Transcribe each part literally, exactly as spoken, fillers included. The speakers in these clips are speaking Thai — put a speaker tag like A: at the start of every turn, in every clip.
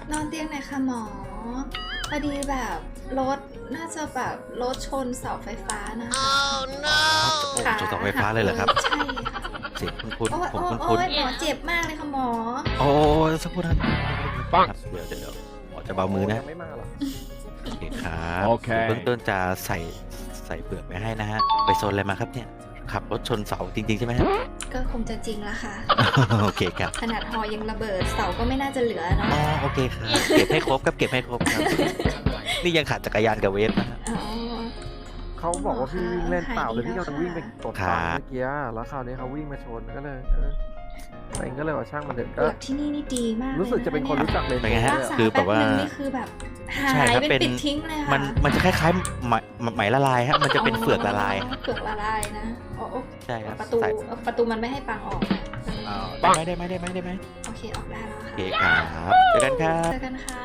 A: นอนเตียงไหนคะหมอพอดีแบบรถน่าจะแบบรถชนเสาไฟฟ้านะคะ
B: ค่ะชนเสาไฟฟ้าเลยเหรอครับ
A: ใช่ค่ะ
B: เสียงคุ้น
A: โอ้ย
B: ๆผม
A: โอ้ย
B: คุ้น
A: โอ้ยหมอเจ็บมากเลยค่ะหมอ
B: ๆโอ้ยสักครู่นะครับปังเดี๋ยวเดี๋ยวเดี๋ยวหมอจะเบามือนะ
C: ไม่มาหรอ
B: โอเคครับ
C: โอเค
B: เบื้องต้นจะใส่ใส่เปลือกไปให้นะฮะไปโซนอะไรมาครับเนี่ยขับรถชนเสาจริงๆใช่ไหมครับ
A: ก็คงจะจริงละค่ะ
B: โอเคครับ
A: ขนาดหอยังระเบิดเสาก็ไม่น่าจะเหลือเนาะ
B: อ๋อโอเคครับเก็บให้ครบครับเก็บให้ครบครับนี่ยังขาดจักรยานกับเวฟนะฮะ
A: อ๋อ
C: เขาบอกว่าพี่วิ่งเล่นเปล่าเลยพี่กำลังวิ่งไปตด
B: ครั
C: ตอน
B: บ
C: เมื่อกี้แล้วคราวนี้เขาวิ่งมาชนก็เลยเออตัวเองก็เลยว่าช่างมันเถอะ
A: เป
C: ก็
A: ลือกที่นี่นี่ดีมากเลย
C: รู้สึกจะเป็นคนรู้จักเลย
B: เป็นไงฮะ
A: รักษา
B: คือแบ
A: แป๊บบ
B: ว่า
A: นึงนี่คือแบบหา
B: ใช่
A: ย
B: ครับ
A: เป็น
B: เป็น
A: ปิดทิ้งเลยค่ะ
B: มันมันจะคล้ายๆไหมไหมละลายฮะมันจะเป็นเฟือกละลาย
A: อ๋อเฟือกละลายนะอ๋อโอ้
B: ใช่ครับ
A: ประตู
B: ใส่
A: ประตูมันไม่ให้ปังออกนะ
B: ปังได้ไหมได้ไหมได้ไหม
A: โอเคออกได้แล้ว
B: โอ
A: ค่ะ
B: เคครับเจอกันครับ
A: เจอกันค่ะ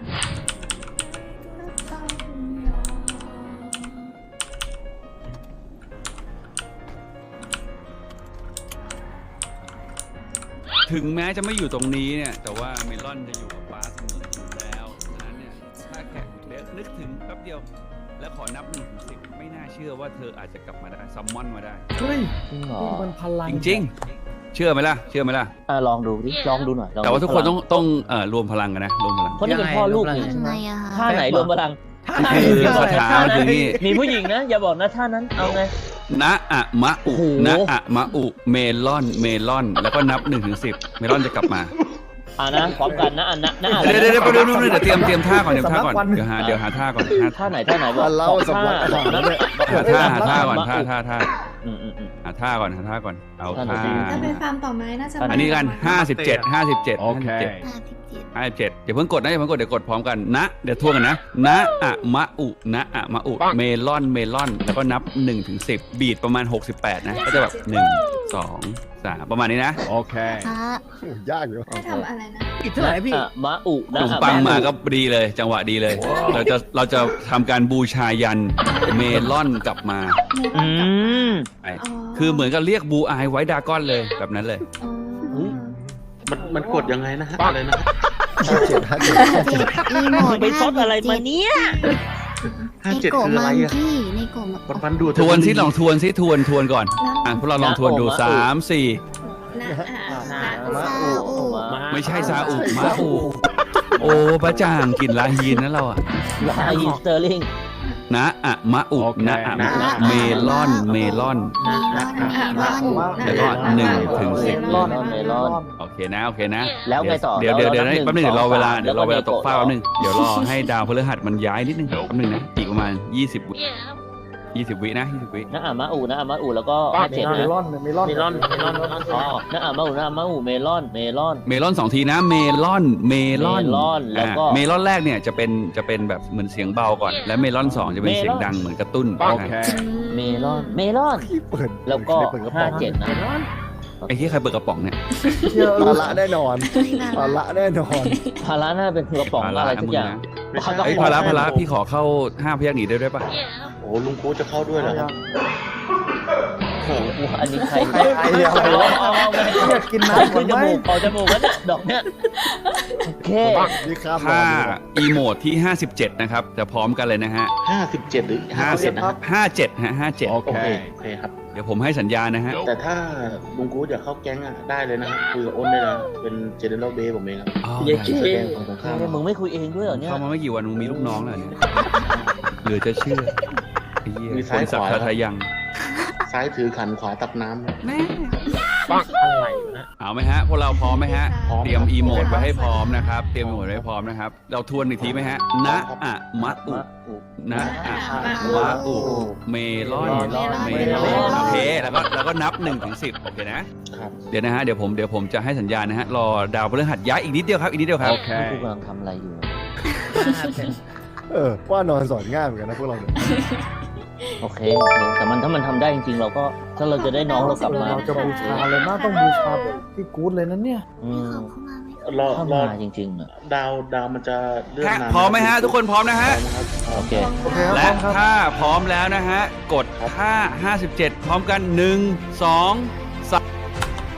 D: ถึงแม้จะไม่อยู่ตรงนี้เนี่ยแต่ว่าเมลอนจะอยู่กับป้าเสมออยู่แล้วฉะนั้นเนี่ยถ้าแค่เดี๋ยวนึกถึงแป๊บเดียว แล้วขอนับหนึ่งถึงสิบไม่น่าเชื่อว่าเธออาจจะกลับมาได้ซัมมอนมาได้
C: เฮ้ย
E: จริงเหรอ
C: มันพลัง
D: จริงๆ เชื่อไหมล่ะ เชื่อไหมล่ะ
E: อ่ะลองดูดิลองดูหน่อยลอง
D: แต่ว่าทุกคนต้อง
E: พลั
D: ต้องเอ่อรวมพลังกันนะรวมพลัง
E: เพราะนี่เป็นพ่อลูกนี่
F: ทำไมอะคะ
E: ท่าไหนรวมพลัง
D: คือคาถามันคือนี่
E: มีผู้หญิงนะ อย่าบอกนะท่านั้นเอาไง
D: นะอะมะอุ
E: โอ้โห
D: นะอะมะอุเมลอนเมลอน แล้วก็นับหนึ่งถึงสิบเมลอนจะกลับมา
E: อ่านะพร้อมกันนะอันนะนะ
D: เดี๋ยวเดี๋ยวเดี๋ยวเดี๋ยวเดี๋ยวเตรียมเตรียมท่าก่อนเตรียมท่าก่อนเดี๋ยวหาเดี๋ยวหาท่าก่อนหา
E: ท่าไหนท่าไหนบอก
C: เล่าสำลัก
E: ท่า
C: แล้วเนี่ย
D: หาท่าหาท่าก่อนท่าท่าท่า
E: อืมอืมอืม
D: หาท่าก่อนหาท่าก่อนเอา
E: ท่าไหน
D: ท่า
E: ดี
A: ถ้าไปฟาร์มต่อไม้น่าจะ
E: อั
D: อันนี้กัน
A: มา
D: ห้าสิบเจ็ดห้าสิบเจ็ด
C: โอเค
F: ห้าสิบเจ็ด
D: ห้าสิบเจ็ดอย่าเพิ่งกดนะอย่าเพิ่งกดเดี๋ยวกดพร้อมกันนะเดี๋ยวทวนกันนะนะอะมะอุนะอะมะอุเมลอนเมลอนแล้วก็นับหนึ่งถึงสิบบีดประมาณหกสิบแปดนะก็จะแบบหนึ่งสองสามประมาณนี้นะ
C: โอเค
F: พระ
C: โอ้ยากอยู่
A: ให้ทำอะไรนะ
C: อีกเท่าไหร่พี่
E: อ่ะมะอุ
D: ข
E: นะ
D: นม
E: อ่ะ
D: ปัง
E: ะ
D: มาก็ดีเลย จังหวะดีเลย เราจะเราจะทำการบูชายันเมลอนกลับมา
E: อืม
D: ไปคือเหมือนกับเรียกบูอายไว้ดากอนเลยแบบนั้นเลย
A: อ๋อ
G: มันมันกดยังไงนะฮะอะไรนะ
C: ห้าเจ็ดห้าเจ็ด
F: เจ็ดอีโมด
E: ไปซดอะไรมาเนี่ย
G: ห้า
F: ใน
G: เจ็ด
F: โกะ
G: คืออะ
F: มั
G: ไรง อ่ะ
F: กี้ในโกะมัน
G: มันมันดูด
D: ทวนซิลองทวนซิทวนทวนก่อนอ่ะพวกเราลองทวนดู
E: นะโอ้
D: สามสี่
A: นะอ่ะ
E: นะ
A: นะ
F: ซาอุ
D: ไม่ใช่ซาอุมาอูโอ้ประจ่างกลิ่นลาฮีนนะเราอะ
E: ลาอินสเตอร์ลิง
D: นะอะมะอุนะอะมะอุเมลอนเมลอน
F: เมลอนเมลอน
D: แล้วก็หนึ่งถึงสิบ
E: เมลอนเมลอน
D: โอเคนะโอเคนะ
E: แล้วไงต่อ
D: เดี๋ยวเดี๋ยวเดี๋ยว
E: เรานับ
D: แป๊บนึงเดี๋ยวรอเวลา
E: หนึ่ง
D: เดี๋ยวรอเวลา
E: แล้วก็
D: ตกฟ้า
E: เนโกะ
D: แป๊บนึงเดี๋ยวรอให้ดาวพฤหัสมันย้ายนิดนึงแป๊บนึงนะอีกประมาณยี่สิบวิยี่สิบวินะยี่สิบวิ
E: นะอ่ะมะอูนะอ่ะมะอูแล้วก็ห้าเจ็ด
C: เม
E: นะ
C: ลอนเมลอน
G: เมลอนเมลอนเมลอน
E: อ๋อนะอ่ะมะอูนะอ่ะมะอูเมลอนเมลอน
D: เมลอนสองทีนะเมลอนเมลอน
E: เมลอนแล้วก็
D: อ่าเมลอนแรกเนี่ยจะเป็นจะเป็นแบบเหมือนเสียงเบาก่อน และเมลอนสองจะเป็นเสียงดังเหมือนกระตุ้น
C: โอ
D: นะ
C: เค
E: เมลอนเมลอน
C: พี่เปิด
E: แล้วก็
C: เปิดกระป๋
E: ห้า
C: อง
E: เจ็ดนะ
D: ไอ้ที่ใครเปิดกระป๋องเนี่ย
C: ภาระแน่นอนภาระแน่นอน
E: พาราน่าเป็นกระป๋องอะไรสักอย่าง
G: ไม่ใช่
D: ไอ้ยพาระพาระพี่ขอเข้าห้าพยักหนีได้ด้วยปะ
G: โอ้ลุงโค้ชจะเข้าด้วยเหรอครับ
E: โอ้โหอันนี้ใคร
C: ใครใครเนี่ย
E: เอาเอาเอาเอา
C: อยากกิน
E: เอา
C: น้ำก่
E: ขึ้
C: อน
E: นจ
C: ไหม
E: มูกเอาจมูกแล้วเนี่ยดอกเนี่ยโอเค
C: นี่ครับ
D: ถ้าอีโมดที่ห้าสิบเจ็ดนะครับจะพร้อมกันเลยนะฮะ
G: ห้าสิบเจ็ดหรือห้า
D: ห้า
G: สิ
D: สิ
G: บบ นะครับ
D: ห้าเจ็ดฮะห้าเจ็ด
C: โอ
G: โอ
C: เค
G: เคโอเคครับ
D: เดี๋ยวผมให้สัญญาณนะฮะ
G: แต่ถ้าลุงโค้ชอยากเข้าแก๊งอ่ะได้เลยนะครับคุยกับอ้นได้นะเป็นเจเนอเรลเบย์ผมเองครับ
D: อ๋อ
E: เย้
G: แสดงของตรงข้าม
E: มึงไม่คุยเองด้วยเหรอเนี่ย
D: เข้ามาไม่กี่วันมึงมีลูกน้องแล้วเนี่ยเหลือจะเชื่อไอ้เหี้ยคนสักดิ์ทายัง
G: ซ้ายถือขันขวาตักน้ำนะ
D: แม่ปักอะไรนะเอาไหมฮะพวกเราพร้อมไหมฮะ
G: พร้อม
D: เตรียมอีโมดไว้ให้พร้อมนะครับเตรียมอีโมดไว้ให้พร้อมนะครับเราทวนอีกทีไหมฮะนะอะมะอุ นะอะมะอุเมลอนเมลอนโอเคแล้วก็แล้วก็นับหนึ่งถึงสิบโอเคนะครับ เดี๋ยวนะฮะเดี๋ยวผมเดี๋ยวผมจะให้สัญญาณนะฮะรอดาวพฤหัสย้ายอีกนิดเดียวครับอีกนิดเดียวครับ
C: โอเค
E: กูกำลังทำอะไรอยู่
C: เออว่านอนสอนง่ายเหมือนกันนะพวกเราเนี่ย
E: โอเคโอเคแต่มันถ้ามันทำได้จริงๆ เราก็ถ้าเราจะได้น้องเรากลับมา
C: เราจะบูชาเลยนะต้องบูชาแบบพี่กู๊ดเลยนะเนี่ย
E: อื
F: มี
E: ม
F: ของเข้ามาไหม
G: รอ
E: ถ้าร
G: อ
E: มาจริงๆอ่ะ
G: ดาวดาวมันจะเลื่อนนาน
D: พร้อมไหมฮะทุกคนพร้อมนะฮะ
G: พร้อมครับ
E: โอเค
C: โอเคครับ
D: และ
C: พร้อมครับ
D: ถ้าพร้อมแล้วนะฮะกดท่าห้าสิบเจ็ดพร้อมกันหนึ่งสองสาม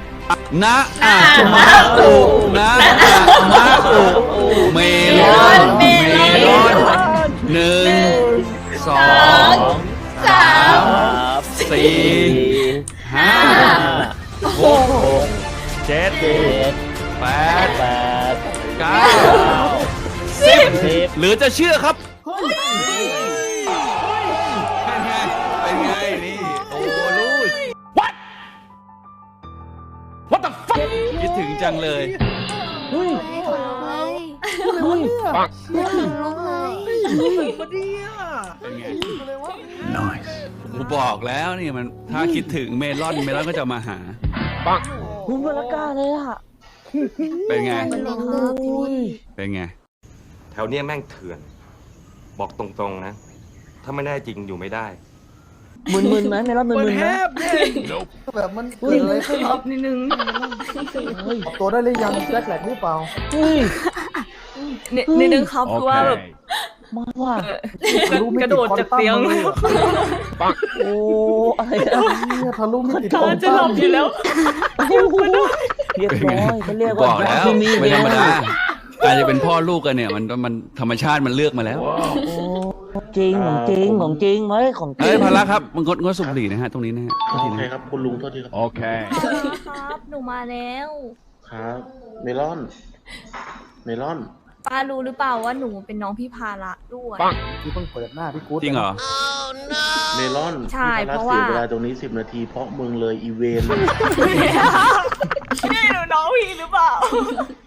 D: นะอะมะอุนะอะมะอุเมลอนเมลอนหนึ่งสองสามสี่ห้าหกเจ็ด
E: เจ็ด
D: แปด
E: แปด
D: เก้าสิบ
E: สิบ
D: หรือจะเชื่อครับเป็นไงเป็นไงนี่โอ้ลูก What What the fuck คิดถึงจังเลย
E: เฮ้ย
F: ไม่ขนลุกเลย
E: เฮ้ย
F: ไม่ขนลุกเลย
D: เป็นไง Nice กูบอกแล้วนี่มันถ้าคิดถึงเมลอนเมลอนก็จะมาหา
E: คุณบรรกาเลยอ่ะ
D: เป็นไง
F: ขนลุกครับพี่
D: เป็นไง
H: แถวเนี้ยแม่งเถื่อน บอกตรงๆนะ ถ้าไม่ได้จริงอยู่ไม่ได้
E: มึนมึนๆไหมเมลอนมึนมึนๆไหม
I: แบบมัน
E: เฮ้
I: เกิ
E: ย
I: ดอะไรขึ้นครับ
F: นิดนึง
E: เฮ้ย
I: ออกตัวได้หรือยังแจ็คแหลกหรือเปล่า
E: เฮ้ย
F: นิดนึงครับคือว่าแบบ
E: มาว่ะ
I: ทะลุมิติควอนตัมมาเลยเหรอ
E: โอ้อะไรอะ
I: เนี่ยทะลุมิติควอนตัม
F: จะหลับอยู่แล้ว
E: โอ้โหเรียบร้อยเขาเรียก
D: บ
E: ว่า
D: อกแล้ว
E: คือมี
D: ไม่ธรรมดา
E: เวล
D: การจะเป็นพ่อลูกกันเนี่ยมันมันธรรมชาติมันเลือกมาแล้ว
E: โอ้จริงของจริงของจริงไหมของจริ
D: เอ้ย
E: ง
D: พาระครับมันงดงดสูบบุหรี่นะฮะตรงนี้นะฮะโทษ
G: โอ
D: ที
G: เค
D: นะครับ
G: คุณลุงโทษทีครับ
D: โอเค
F: ครับ หนูมาแล้ว
G: ครับ เมลอน เมลอน
F: ป้ารู้หรือเปล่าว่าหนูเป็นน้องพี่พาระด้วย
I: ที่เพิ่งเปิดหน้าพี่กู๊ด
D: จริงเหรอ
G: เมลอน
F: ใช่
G: พี่
F: เพราะ
G: เสีย
F: ว่า
G: เวลาตรงนี้สิบนาทีเพราะมึงเลยอีเวน
F: นี่หนูน้องพี่หรือเปล่า